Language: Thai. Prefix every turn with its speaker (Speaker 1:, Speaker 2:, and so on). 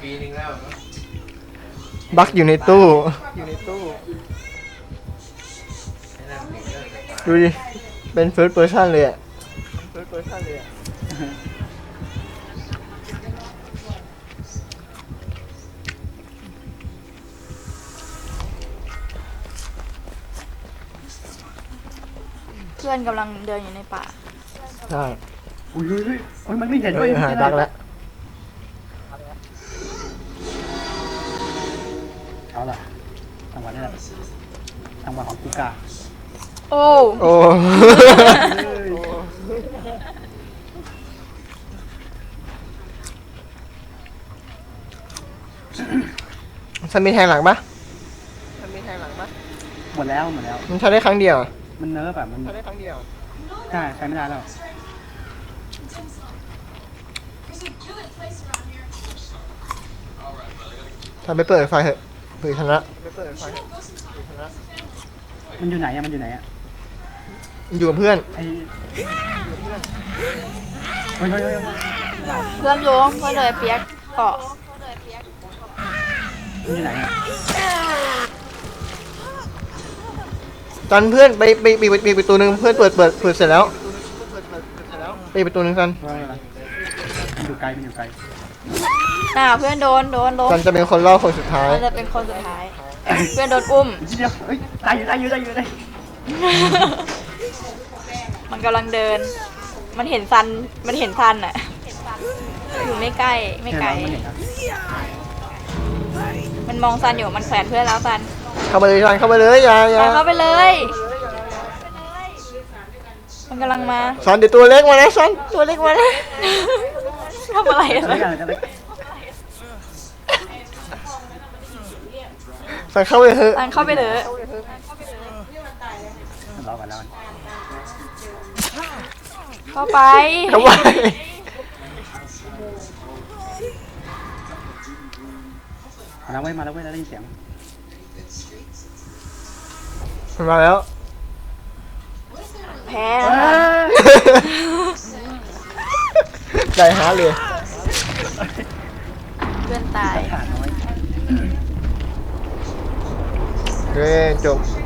Speaker 1: ปีนึงแล้ว
Speaker 2: บักอยู่ในตู้ดูดิเป็น first person เลยอ่ะ
Speaker 3: เพื่อนกำลังเดินอยู่ในป่า
Speaker 2: ใช่
Speaker 4: อุ้ยมันไม่เห็นด้วย
Speaker 2: หายบักแล้ว
Speaker 4: เอาล่ะจังหวะนี้แหละจังหวะของกูกา
Speaker 3: โอ้
Speaker 2: โอ้ ฉันมีแทงหลังปะ
Speaker 4: หมดแล้ว
Speaker 2: มันใช้ได้ครั้งเดียวอะ
Speaker 4: มันเนิร์ฟแบบมัน
Speaker 2: ใช้ได้ครั้งเดียว
Speaker 4: ใช่ใช้ไม่ได้แล้ว
Speaker 2: ทำไปเปิดไฟเถอะเผื่อชนะ
Speaker 4: มันอยู่ไหนอะ
Speaker 2: อยู่กับเพื่อน
Speaker 4: ไอ้เฮ้ย
Speaker 3: เพื่อนโยงเพื่อนเลยเปียกเกาะ
Speaker 4: มันอยู่ไหนอะ
Speaker 2: ตันเพื่อนไปประตูนึงเพื่อนเปิดเสร็จแล้วไปประตูนึงตัน
Speaker 4: ว่าอะไรมันอยู่ไกล
Speaker 3: เพื่อนโดนล้ม
Speaker 2: ตันจะเป็นคนเล่าคนสุดท้าย
Speaker 3: มันจะเป็นคนสุดท้าย เพื่อนโดนอุ้ม
Speaker 4: เดี๋ยวเฮ้ยได้อยู่
Speaker 3: มันกำลังเดิน มันเห็นซันอ่ะ อยู่ไม่ใกล้ไม่ไกล
Speaker 4: มันเห็นนะ
Speaker 3: มันมองซันอยู่ มันแขวนเพื่อนแล้วซัน
Speaker 2: เข้าไปเลยตันเข้าไปเลยอย่า
Speaker 3: ซันเข้าไปเลย มันกำลังมา
Speaker 2: สันเดี๋ยวตัวเล็กมานะสันตัวเล็กมานะ
Speaker 3: ทำอะไรอะ
Speaker 4: จะได้
Speaker 2: สันเข้าไปเถอะ
Speaker 3: ซันเข้าไปเลย
Speaker 4: รอก่อนแล้ว
Speaker 3: เข้าไป
Speaker 2: เข้าไป
Speaker 4: มาแล้วเว้ยได้ยินเสียง
Speaker 2: มันมาแล้ว
Speaker 3: แพ้
Speaker 2: ได้ฮาร์ดเลย
Speaker 3: เพื่อนตาย
Speaker 4: ขาดน้อย
Speaker 2: เฮ้ยจบ